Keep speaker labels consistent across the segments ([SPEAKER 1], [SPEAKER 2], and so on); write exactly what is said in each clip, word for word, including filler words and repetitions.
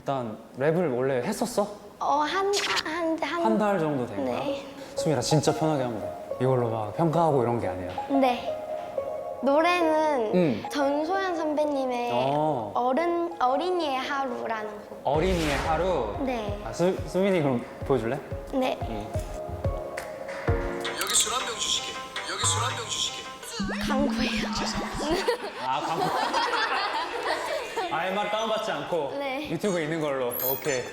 [SPEAKER 1] 일단 랩을 원래 했었어?
[SPEAKER 2] 어, 한, 한, 한.
[SPEAKER 1] 한 달 정도 된 거야?
[SPEAKER 2] 네.
[SPEAKER 1] 수민아 진짜 편하게 하면 돼. 이걸로 막 평가하고 이런 게 아니야.
[SPEAKER 2] 네. 노래는
[SPEAKER 1] 응.
[SPEAKER 2] 전소연 선배님의
[SPEAKER 1] 어.
[SPEAKER 2] 어른, 어린이의 하루라는 곡.
[SPEAKER 1] 어린이의 하루.
[SPEAKER 2] 네.
[SPEAKER 1] 아, 수, 수민이 그럼 보여줄래?
[SPEAKER 2] 네.
[SPEAKER 1] 응.
[SPEAKER 3] 여기 술 한 병 주시게. 여기 술 한 병 주시게.
[SPEAKER 2] 강구예요.
[SPEAKER 1] 아, 광고. 아예 말 다운받지 않고
[SPEAKER 2] 네.
[SPEAKER 1] 유튜브에 있는 걸로. 오케이.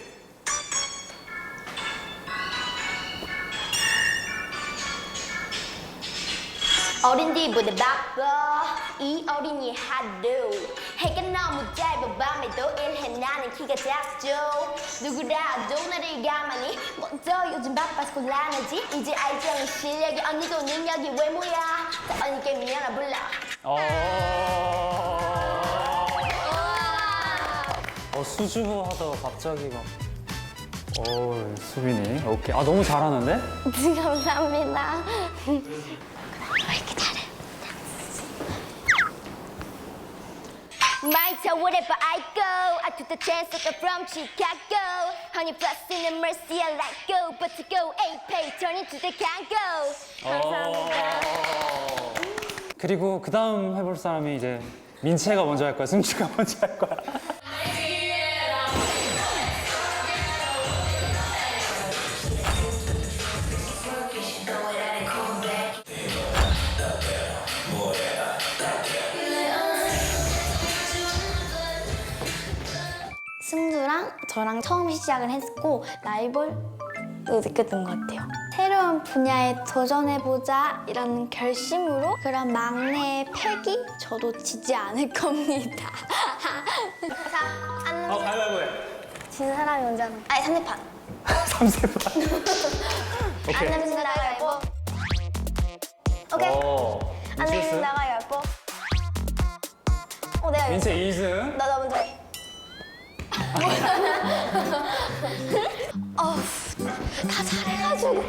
[SPEAKER 2] 어린이보다 바빠 이 어린이 하루 해가 너무 짧아 밤에도 일해 나는 키가 작죠 누구라도 나를 가만히 먼저 요즘 바빠서 곤란하지 이제 알정이 실력이 언니도 능력이 외모야 다 언니께 미안하 불러
[SPEAKER 1] 어. 어, 수줍어 하다가 갑자기 막. 어, 수빈이. 오케이. 아, 너무 잘하는데?
[SPEAKER 2] 감사합니다 왜 이렇게 잘해 My town wherever I go I took the chance to go from Chicago Honey plus in the mercy I let go But to go A pay turn into the Congo 감사합니다
[SPEAKER 1] 어. 그리고 그 다음 해볼 사람이 이제 민채가 먼저 할 거야, 승주가 먼저 할 거야.
[SPEAKER 2] 승주랑 저랑 처음 시작을 했고 라이벌도 느꼈던 것 같아요. 새로운 분야에 도전해보자 이런 결심으로 그런 막내의 패기 저도 지지 않을 겁니다. 자, 안
[SPEAKER 1] 어, 가위바위보 해.
[SPEAKER 2] 진 사람이 먼저 하는 아니, 상대판.
[SPEAKER 1] 삼세판.
[SPEAKER 2] 안
[SPEAKER 1] 오케이.
[SPEAKER 2] 내면 진다 가위바위보. 오케이.
[SPEAKER 1] 오.
[SPEAKER 2] 안 내면
[SPEAKER 1] 민채
[SPEAKER 2] 진다 가위바위보. 어, 내가
[SPEAKER 1] 민채
[SPEAKER 2] 이겼어.
[SPEAKER 1] 이 승.
[SPEAKER 2] 나, 나 먼저 해. 어우, 다 잘해가지고.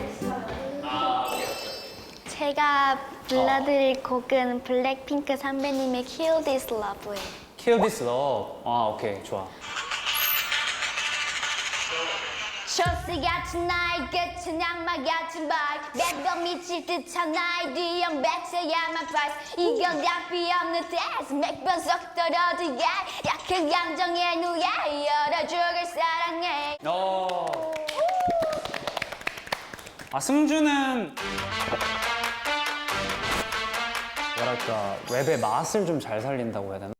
[SPEAKER 2] 제가 불러드릴 곡은 블랙핑크 선배님의 Kill This Love예요.
[SPEAKER 1] Kill this love. 아, 오케이. 좋아.
[SPEAKER 2] 쇼스 같은 나의 끝은 악마 같은 발 매번 미칠 듯한 나의 뒤형 뱉어야만 price 이건 답이 없는 test 매번 속 떨어져 yeah. 약한 감정의 누에 열어주길 사랑해
[SPEAKER 1] 어. 아, 승주는 뭐랄까 랩의 맛을 좀 잘 살린다고 해야 되나?